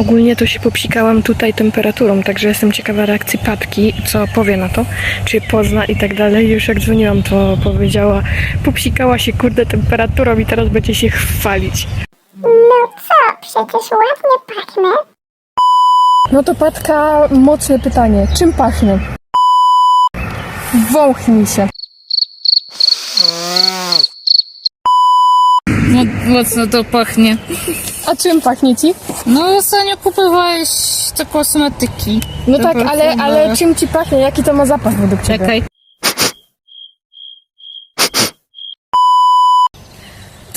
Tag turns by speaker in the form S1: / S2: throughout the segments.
S1: Ogólnie to się popsikałam tutaj temperaturą, także jestem ciekawa reakcji Patki, co powie na to, czy pozna i tak dalej. Już jak dzwoniłam, to powiedziała, popsikała się kurde temperaturą i teraz będzie się chwalić.
S2: No co, przecież ładnie pachnę.
S1: No to Patka, mocne pytanie. Czym pachnie? Wąchnij się.
S3: Mocno to pachnie.
S1: A czym pachnie ci?
S3: No ostatnio kupowałeś te kosmetyki.
S1: No
S3: To
S1: tak,
S3: perfumy.
S1: ale czym ci pachnie? Jaki to ma zapach według ciebie?
S3: Czekaj. To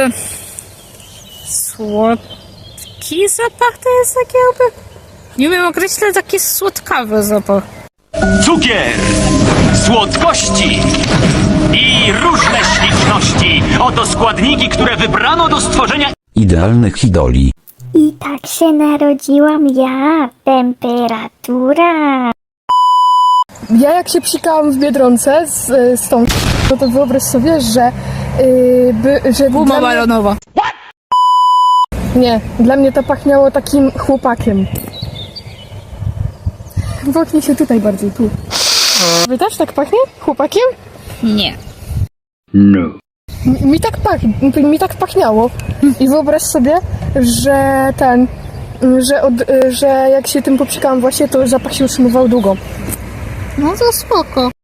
S3: słodki zapach to jest taki jakby... Nie wiem, określę taki słodkawy zapach.
S4: Cukier, słodkości i różne śliczności. Oto składniki, które wybrano do stworzenia
S5: idealnych idoli.
S2: I tak się narodziłam ja, temperatura.
S1: Ja jak się psikałam w Biedronce z tą no to wyobraź sobie, że że
S3: Guma
S1: dla mnie,
S3: balonowa.
S1: nie, dla mnie to pachniało takim chłopakiem. Woknij się tutaj bardziej, tu. Wy też tak pachnie? Chłopakiem?
S3: Nie.
S1: Mi tak pachniało. I wyobraź sobie, że że jak się tym popsikałam właśnie, to zapach się utrzymywał długo.
S3: No to spoko.